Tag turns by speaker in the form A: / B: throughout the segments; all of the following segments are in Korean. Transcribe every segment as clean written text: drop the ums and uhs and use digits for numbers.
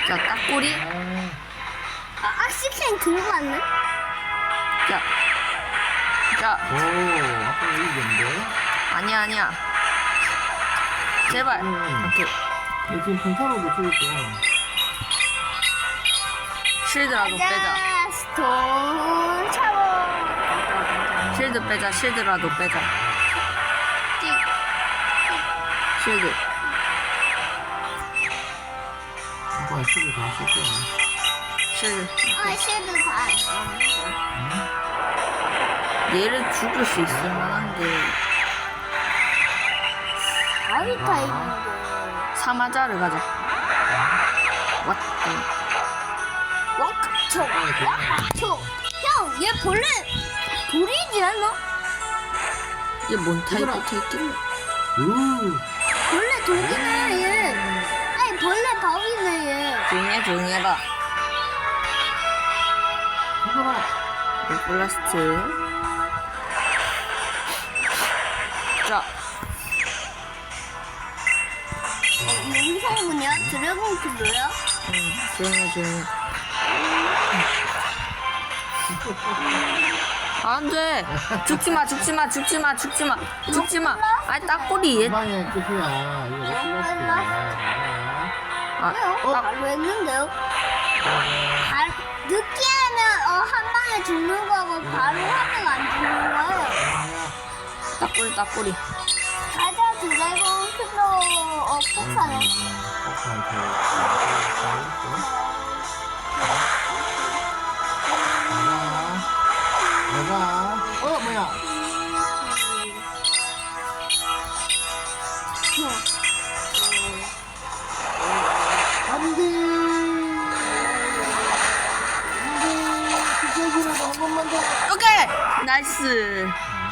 A: 자, 딱꼬리.
B: 악시캔 그거 맞네?
A: 자. 자,
C: 오, 아빠 이겼는데?
A: 아니야. 제발. 오케이.
C: 근데 지금 평타로도 죽었어.
A: 실드라도 빼자.
B: 스톤 차워.
A: 실드 빼자. 실드라도 빼자. 실드.
C: 아빠 실드 다 쓸 거야.
A: 실드.
B: 쉐드 다.
A: 얘를 죽일 수 있을 만한데.
B: 아리타 있는데.
A: 사마자를 가자. 왔다.
B: 와카초. 형, 얘 벌레 돌이지 않아?
A: 얘 뭔 타입부터 있길래?
C: 우,
B: 벌레 돌이네 얘. 아니 벌레 밥이네 얘.
A: 조용히 해봐.
C: 해봐라.
A: 블라스트. 자,
B: 영상 뭐냐? 드래곤 킬러야?
A: 조용히. 안 돼. 죽지 마. 아니, 딱꼬리.
C: 희망의 끝이야. 이거 못 끝났어.
A: 아,
B: 바로 했는데요? 늦게 하면 한 방에 죽는 거고 바로 하면 안 죽는 거예요.
A: 딱꼬리.
B: 가자 드래곤 킬러 폭사네.
C: 내가 뭐야? 안돼. 그쪽이라도 한 번만 더.
A: 오케이! 나이스.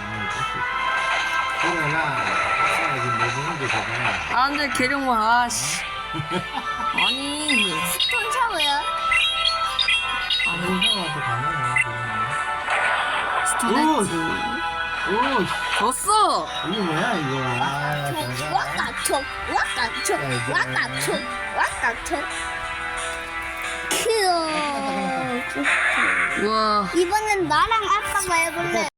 C: 그래라. 아빠가 지금 뭐 보는 게 되잖아.
A: 안 돼, 계룡만. 아씨. 아니.
B: 스톤 차고요.
C: 아니, 형한테 가능해.
A: 스턴했지.
C: 오,
A: 졌어.
C: 이게 뭐야 이거? 아, 잘 가.
B: 와까촉. 큐.
A: 우와.
B: 이번엔 나랑 아빠가 해볼래.